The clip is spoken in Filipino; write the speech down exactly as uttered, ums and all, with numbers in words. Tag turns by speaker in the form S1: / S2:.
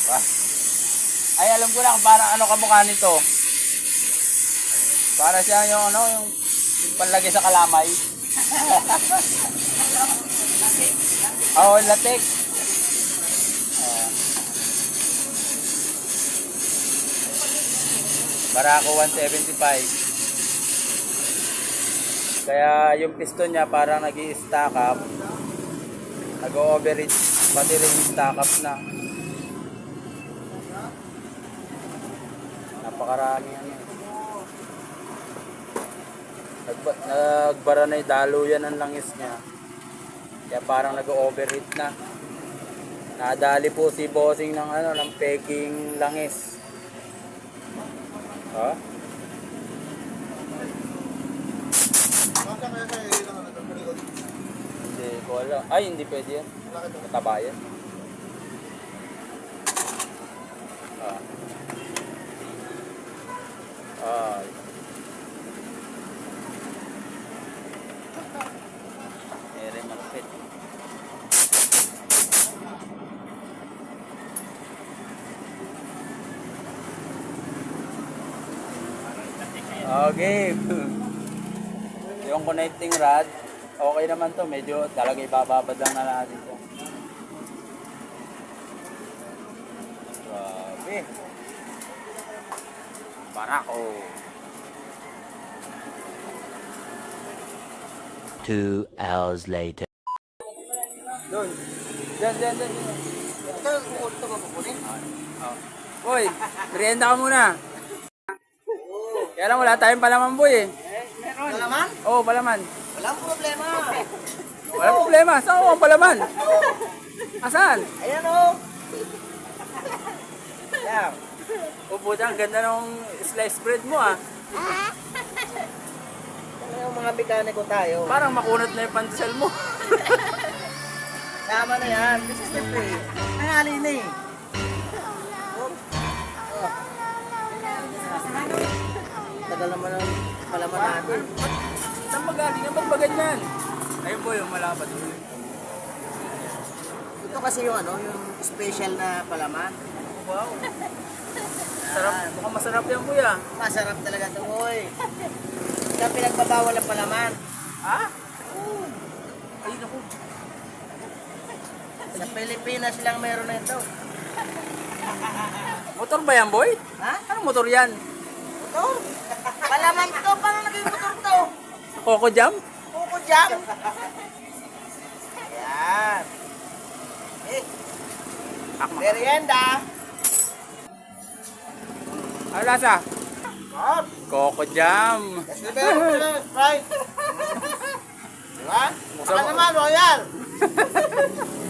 S1: Diba? Ay, alam ko lang, para ano kamukha nito. Para siya yung ano, yung, yung panlagay sa kalamay. Oo, oh, latex. Oh. Barako one seventy-five. Kaya yung piston niya parang nag-i-stack up. Nag-overreach. Pati rin stack up na. Napakarami yan. Nagba nagbara na yung daluyan ang langis niya. Kaya parang nag-overheat na. Nadali po si bossing ng ano, ng peking langis. Ha? Hindi ko alam. Ay, hindi pwede yan. Mataba yan. Ah. Ah. Ere magpit. Okay. Yung connecting rod, okay naman to. Medyo talaga ibababad lang na natin to. Grabe. Barako.
S2: Two hours later.
S1: Doon. Diyan, diyan, diyan.
S3: Ito, ito ba kukunin?
S1: Boy, merienda ka muna. Kaya lang wala tayong palaman, boy eh.
S3: Meron. Palaman?
S1: Oo, oh, palaman.
S3: Walang problema.
S1: Walang problema. Saan ko ang palaman? Asan?
S3: Ayan o. Yan.
S1: Upo dyan, ganda ng slice bread mo ah.
S3: Ano yung mga mekaniko tayo?
S1: Parang makunat na yung pandesal mo.
S3: Tama na yan. This is the play. Nangali na eh. Tagal naman ang palaman natin.
S1: Saan magaling ang magbagan yan? Ayun po yung malapad.
S3: Ito kasi yung ano, yung special na palaman.
S1: Wow. Sarap. Mukhang masarap yan, kuya.
S3: Masarap talaga ito, boy. Kaya pinagbabawal ang palaman.
S1: Ha? Ay, naku.
S3: Sa Pilipinas lang meron na ito.
S1: Motor ba yan, boy?
S3: Ha?
S1: Anong motor yan?
S3: Motor? Palaman to. Paano naging motor to?
S1: Coco Jam?
S3: Kuko jam. Yan. Eh,
S1: Akma.
S3: merienda.
S1: Ano lasa?
S3: Bob.
S1: Coco Jam.
S3: Yes, di ba? Yes, right. Diba? Baka naman, royal.